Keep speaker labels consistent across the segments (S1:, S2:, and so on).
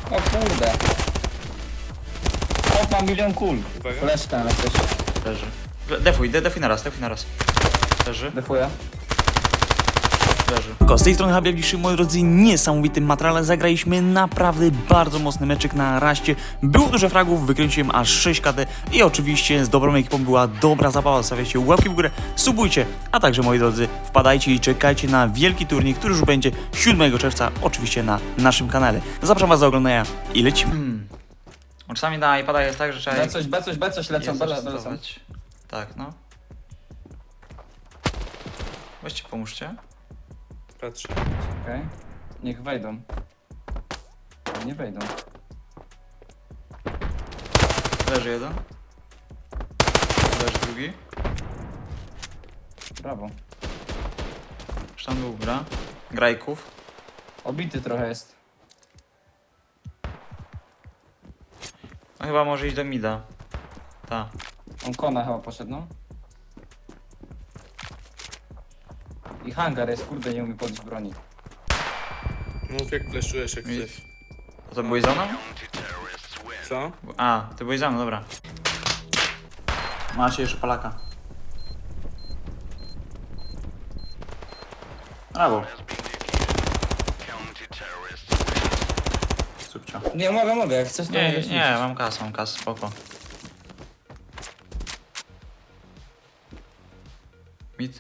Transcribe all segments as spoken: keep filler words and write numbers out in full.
S1: O kurde. Opa, milion kul.
S2: Uwaga.
S1: Fleszka na coś.
S3: Leży. Defuj, de, defuj na raz, defuj na raz. Leży,
S1: Defuję.
S3: leży.
S4: Z tej strony Habib Bliższy, moi drodzy, niesamowitym materiale. Zagraliśmy naprawdę bardzo mocny meczyk na raście. Było dużo fragów, wykręciłem aż sześć K D i oczywiście z dobrą ekipą była dobra zabawa. Zostawiajcie łapki w górę, subujcie, a także, moi drodzy, wpadajcie i czekajcie na wielki turniej, który już będzie siódmego czerwca, oczywiście na naszym kanale. Zapraszam was do oglądania i lecimy.
S3: Hmm. Czasami na iPada jest tak, że trzeba...
S1: B coś, B coś, B coś lecą,
S3: jest
S1: B lecą.
S3: zastosować. Tak, no. Weźcie, pomóżcie.
S2: Patrzę.
S1: Okej. Niech wejdą. Nie wejdą.
S3: Leży jeden. Leży drugi.
S1: Brawo.
S3: Już tam był gra. Grajków.
S1: Obity trochę jest.
S3: No chyba może iść do mida. Ta.
S1: On kona chyba poszedł, no. I hangar jest, kurde, nie umie podnieść broni.
S2: Mów jak fleszujesz jak
S3: Mi-
S2: chcesz.
S3: A to byłeś za mną?
S2: Co?
S3: A, ty byłeś za mną, dobra. Macie jeszcze palaka. Brawo. Subcio.
S1: Nie, mogę, mogę, jak chcesz to
S3: Nie,
S1: możesz
S3: nie,
S1: iść.
S3: mam kas, mam kas, spoko. Mid.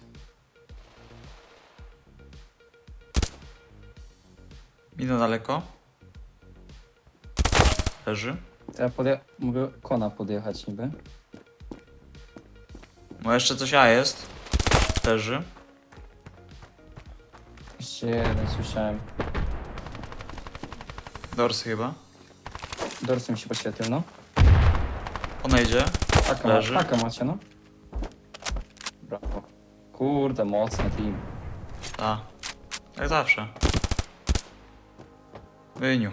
S3: Mid na daleko. Leży.
S1: Ja podje... mogę kona podjechać niby.
S3: Bo jeszcze coś A jest. Leży.
S1: Jeszcze jeden słyszałem.
S3: Dorsy chyba.
S1: Dorsem się poświetlił, no.
S3: Ona idzie.
S1: Taka,
S3: Leży.
S1: ma, taka macie, no. Brawo. Kurde, mocny team.
S3: A. Jak zawsze. Wyniu.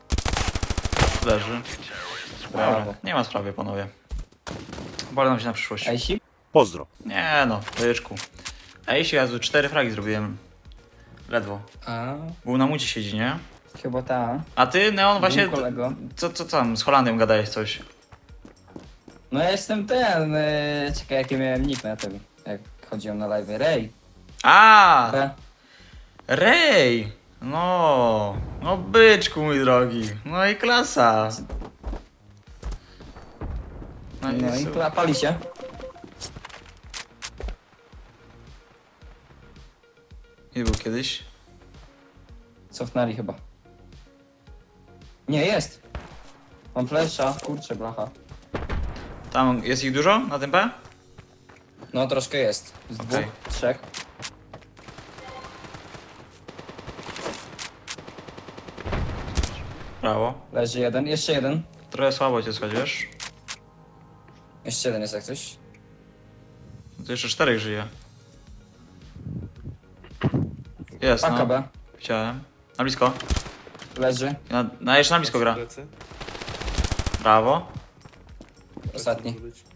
S3: Leży. Dobra,
S1: Brawo.
S3: nie ma sprawy, panowie. Bolę nam się na przyszłość.
S1: Ejsi?
S5: Pozdro.
S3: Nie no, byczku. A jeśli ja tu cztery fragi zrobiłem. Ledwo.
S1: A,
S3: Był na mucie siedzi, nie?
S1: chyba ta.
S3: A ty, Neon, właśnie...
S1: Mój kolego.
S3: Co, co tam, z Holandią gadałeś coś?
S1: No ja jestem ten, yy, czekaj jaki miałem nick na tym, jak chodziłem na live. Ray.
S3: A,
S1: B.
S3: Rej! No, no byczku mój drogi. No i klasa. No i,
S1: No i
S3: super.
S1: tu pali się.
S3: Nie był kiedyś?
S1: Cofnęli chyba. Nie, jest. Mam flesza, kurczę blacha.
S3: Tam jest ich dużo na tym B?
S1: No troszkę jest. Z
S3: Okej.
S1: dwóch, trzech.
S3: Brawo.
S1: Leży jeden, jeszcze jeden.
S3: Trochę słabo cię słychać, wiesz?
S1: Jeszcze jeden jest jak coś.
S3: No to jeszcze czterech żyje. Jest,
S1: Paka
S3: no.
S1: B.
S3: Widziałem. Na blisko.
S1: Leży.
S3: Na, na jeszcze na blisko gra.
S2: Plecy.
S3: Brawo.
S1: Ostatni.
S2: Może być.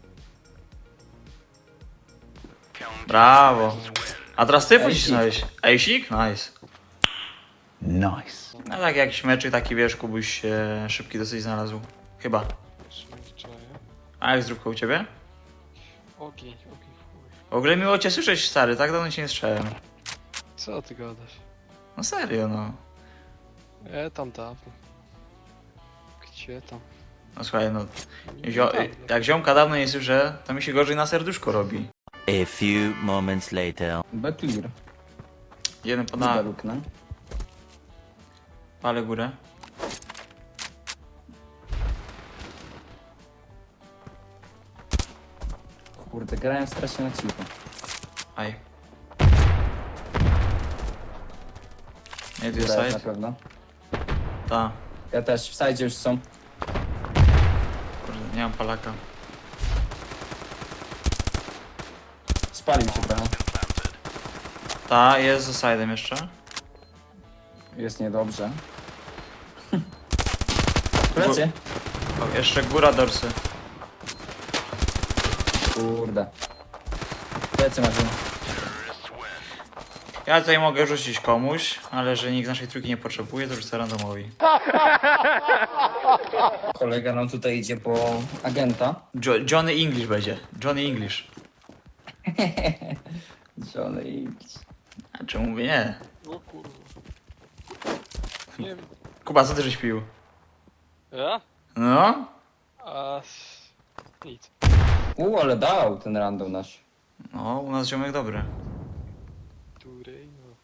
S3: Brawo. A teraz ty
S1: Ejsik.
S3: pocisnąłeś. Ejsik? Nice.
S5: Nice.
S3: No tak jakiś meczyk taki, wiesz, Kubuś się szybki dosyć znalazł. Chyba. A jak zdrówko u ciebie?
S6: Ogień, ogień, chuj.
S3: W ogóle miło cię słyszeć, stary, tak dawno cię nie słyszałem.
S6: Co ty gadasz?
S3: No serio, no.
S6: E, tam dawno. Gdzie tam?
S3: No słuchaj, no.
S6: Nie
S3: Zio
S6: dawno.
S3: jak ziomka dawno nie słyszę, to mi się gorzej na serduszko robi.
S5: A few moments later.
S1: B clear.
S3: Jeden
S1: B
S3: poda
S1: luknę.
S3: palę górę.
S1: Kurde, grałem strasznie na cicho.
S3: Aj. Nie, tu jest
S1: Grałeś na
S3: side.
S1: pewno.
S3: Ta.
S1: Ja też, w sajdzie już są.
S3: Kurde, nie mam palaka.
S1: Spalił się trochę.
S3: Ta, jest za side'em jeszcze.
S1: Jest niedobrze. Plecy.
S3: O, jeszcze góra dorsy.
S1: Kurde. Plecy masz.
S3: Ja tutaj mogę rzucić komuś, ale że nikt naszej trójki nie potrzebuje, to rzucę randomowi.
S1: Kolega nam tutaj idzie po agenta.
S3: Jo Johnny English będzie. Johnny English.
S1: Johnny English.
S3: A czemu mówię nie?
S6: O kurwa. Nie wiem.
S3: Kuba, co ty żeś pił?
S6: Ja?
S3: No?
S6: A... Nic.
S1: U, ale dał ten random nasz.
S3: No, u nas ziomek dobry.
S6: Durej, no.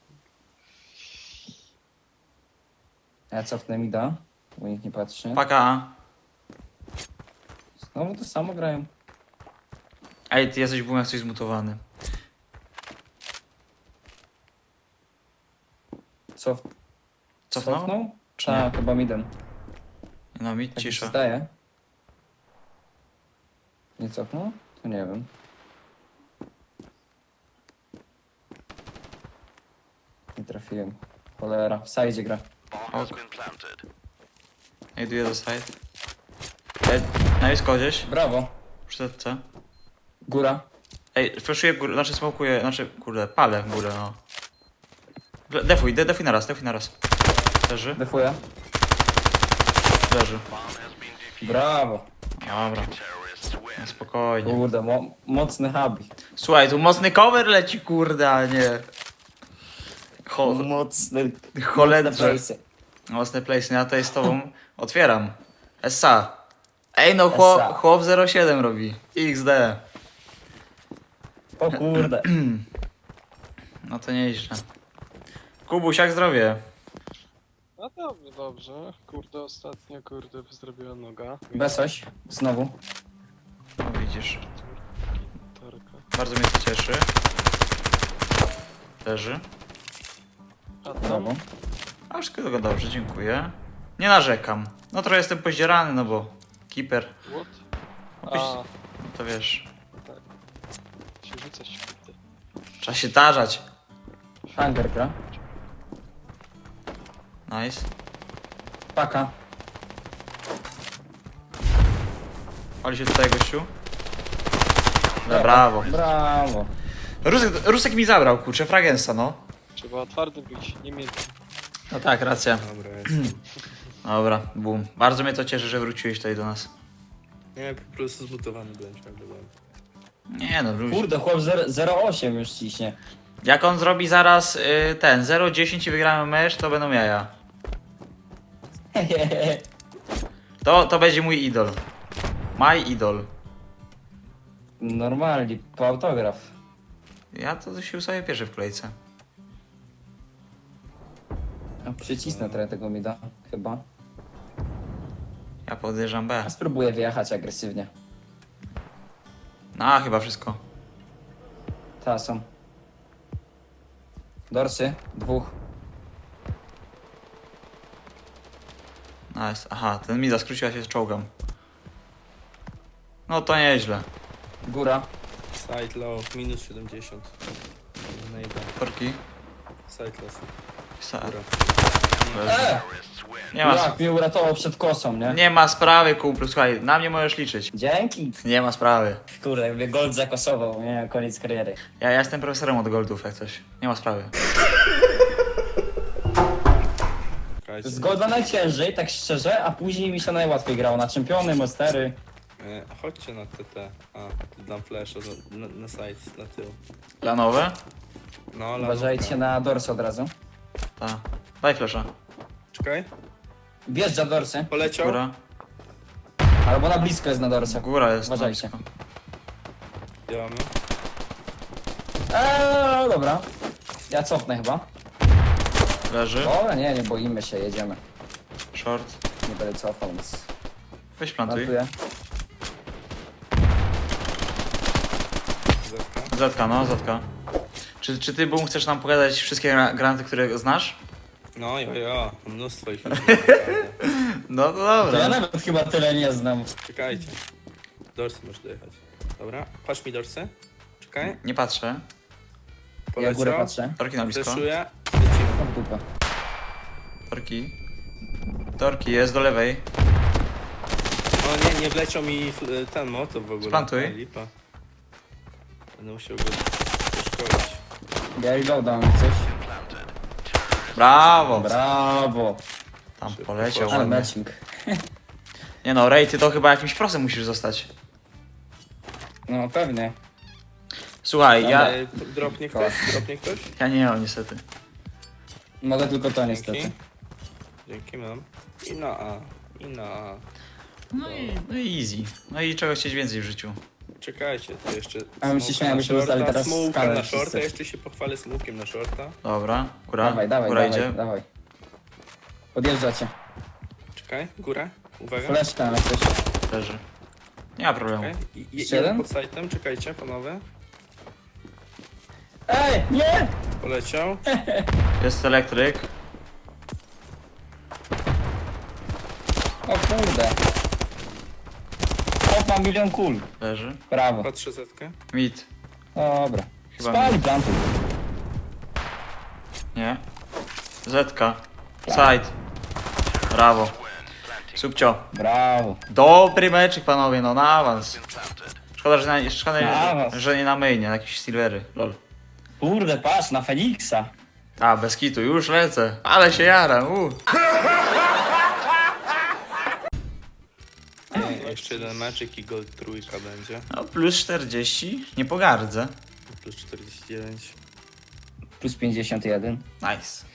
S1: Ja cofnę mi da, bo nikt nie patrzy.
S3: Paka.
S1: Znowu to samo grają.
S3: Ej, ty jesteś byłem jak coś zmutowany.
S1: Cof...
S3: Cofnął?
S1: Cofnął?
S3: Czy nie?
S1: Tak, chyba midem.
S3: No mi
S1: Tak mi się
S3: cisza.
S1: zdaje. Nie cofnął? To nie wiem. Nie trafiłem. Cholera, w sajdzie gra.
S3: Ok. Idę do side. Ej, na blisko gdzieś.
S1: Brawo.
S3: Przy setce.
S1: Góra.
S3: Ej, flashuję górę, znaczy smokuję, znaczy, kurde, palę w górę, no. Le- Defuj, de defuj naraz, defuj naraz. Leży,
S1: Defuję.
S3: leży.
S1: Brawo.
S3: Dobra. No, spokojnie.
S1: Kurde, mo mocny hub.
S3: Słuchaj, tu mocny cover leci, kurde, a nie... Cho
S1: Mocny.
S3: cholerze.
S1: place.
S3: Mocny place, ja tutaj z tobą otwieram. S A. Ej, no chłop,
S1: S A.
S3: chłop zero siedem robi. X D.
S1: O kurde.
S3: No to nieźle. Kubuś, jak zdrowie?
S6: No dobrze, dobrze. Kurde, ostatnio, kurde, zrobiła noga.
S1: Besoś. Znowu.
S3: No widzisz.
S6: Tarka.
S3: Bardzo mnie to cieszy. Leży.
S6: A tam?
S1: Brawo.
S3: A wszystko tylko dobrze, dziękuję. Nie narzekam. No trochę jestem pozdzierany, no bo... Keeper.
S6: What?
S3: No,
S6: A,
S3: no to wiesz.
S6: się rzucać, kurde.
S3: Trzeba się tarzać.
S1: Hunger gra.
S3: Nice.
S1: Paka.
S3: Pali się tutaj gościu. No, brawo.
S1: Brawo.
S3: Rusek, Rusek mi zabrał, kurczę, fragensa, no.
S6: Trzeba twardym być, nie miękkim.
S3: No tak, racja.
S2: Dobra, jest.
S3: Dobra, boom. Bardzo mnie to cieszy, że wróciłeś tutaj do nas.
S2: Nie, po prostu zmutowany byłem ciągle. byłem.
S3: Nie no, luź.
S1: Kurde, chłop zero osiem już ciśnie.
S3: Jak on zrobi zaraz y, ten zero dziesięć i wygramy mecz, to będą jaja. To, to będzie mój idol. My idol.
S1: Normalnie, po autograf.
S3: Ja to się ustawię pierwszy w kolejce.
S1: A przycisnę trochę tego mida, chyba.
S3: Ja podejrzewam B.
S1: A spróbuję wyjechać agresywnie.
S3: No, chyba wszystko.
S1: Ta są. Dorsy, dwóch.
S3: Nice. Aha, ten mida skróciła się z czołgam. No to nieźle.
S1: Góra.
S2: Side low, minus siedemdziesiąt. Nejda.
S3: Torki.
S2: Side low.
S3: Sa-
S2: Góra.
S1: E!
S3: Nie ma,
S1: Jak mnie uratował przed kosą, nie?
S3: nie ma sprawy, kumplu. Słuchaj, na mnie możesz liczyć.
S1: Dzięki.
S3: Nie ma sprawy.
S1: Kurde, jakby gold zakosował, nie? Koniec kariery.
S3: Ja, ja jestem profesorem od goldów, jak coś. Nie ma sprawy.
S2: Czekajcie.
S1: Z golda najciężej, tak szczerze, a później mi się najłatwiej grało na czempiony, monstery.
S2: E, chodźcie na T T. A, tu dam flasha na, na, na side, na tył.
S3: Lanowe?
S2: No, ale.
S1: Uważajcie na dorsy od razu.
S3: Ta. Daj flesza.
S2: Czekaj.
S1: Wjeżdża dorsy,
S2: Poleciał.
S3: Góra.
S1: albo na blisko jest na dorsach.
S3: Góra jest.
S1: Uważajcie.
S3: na blisko.
S2: Działamy.
S1: Eee, dobra. Ja cofnę chyba.
S3: Leży.
S1: Dobra, nie, nie boimy się, jedziemy.
S3: Short.
S1: Nie będę cofał, więc
S3: Weź plantuj.
S1: plantuję.
S2: Zetka.
S3: Zatka, no, zatka. Czy, czy ty, Boom, chcesz nam pogadać wszystkie gra- granaty, które znasz?
S2: No, jo, jo. Mnóstwo ich.
S3: No to
S1: To ja
S3: dobra.
S1: nawet chyba tyle nie znam.
S2: Czekajcie. Dorsy możesz dojechać. Dobra. Patrz mi dorsy. Czekaj.
S3: Nie patrzę.
S1: Ja
S2: Poleciał.
S1: górę patrzę.
S3: Torki na blisko.
S2: Fleszuję. Lecimy.
S1: O, w dupę.
S3: Torki. Torki, jest do lewej.
S2: O nie, nie wleciał mi fl- ten motor w ogóle.
S3: Splantuj.
S2: A, lipa. Będę musiał go przeszkolić.
S1: Ja reloadam coś.
S3: Brawo!
S1: Brawo.
S3: Tam
S2: Szybko
S3: poleciał
S2: poszło.
S1: Ale
S3: ładnie.
S1: matching.
S3: Nie no, Ray, ty to chyba jakimś prosem musisz zostać.
S1: No pewnie.
S3: Słuchaj, ja...
S2: E, Dropnie ktoś? Dropnie ktoś?
S3: Ja nie mam niestety.
S1: Mogę tylko to niestety.
S2: Dzięki. Dzięki mam. I na A. I na A.
S3: No i, no i easy. No i czego chcieć więcej w życiu.
S2: Czekajcie, to jeszcze...
S1: A my się
S2: smoka
S1: śmiałem,
S2: na
S1: byśmy dostali
S2: shorta,
S1: teraz
S2: smoka
S1: skalę
S2: na
S1: wszyscy.
S2: shorta, jeszcze się pochwalę smokiem na shorta.
S3: Dobra, góra,
S1: Dawaj, dawaj,
S3: góra
S1: dawaj,
S3: idzie.
S1: dawaj. Podjeżdżacie.
S2: Czekaj, góra. Uwaga.
S1: Fleszka na coś.
S3: Leży. Nie ma problemu.
S2: Czekaj. I, i,
S1: Jeszcze
S2: jeden
S1: jeden?
S2: pod sajtem, czekajcie panowie.
S1: Ej, nie!
S2: Poleciał.
S3: Jest elektryk.
S1: O kurde. O, mam milion kul.
S3: Leży.
S1: Brawo.
S2: Patrzę zetkę.
S3: Mid.
S1: Dobra.
S3: Chyba
S1: Spali plantu.
S3: Nie. Zetka. Side. Brawo. Subcio.
S1: Brawo.
S3: Dobry meczyk, panowie, no na awans. Szkoda, że, na, szkoda,
S1: Na
S3: że,
S1: awans.
S3: że nie na mainie, na jakieś silvery. Lol.
S1: Kurde, patrz, na Feniksa.
S3: A, bez kitu, już lecę. Ale się jaram, u.
S2: E, jeszcze jeden meczyk i gold trójka będzie.
S3: No, plus czterdzieści. Nie pogardzę.
S2: Plus czterdzieści dziewięć.
S1: Plus pięćdziesiąt jeden.
S3: Nice.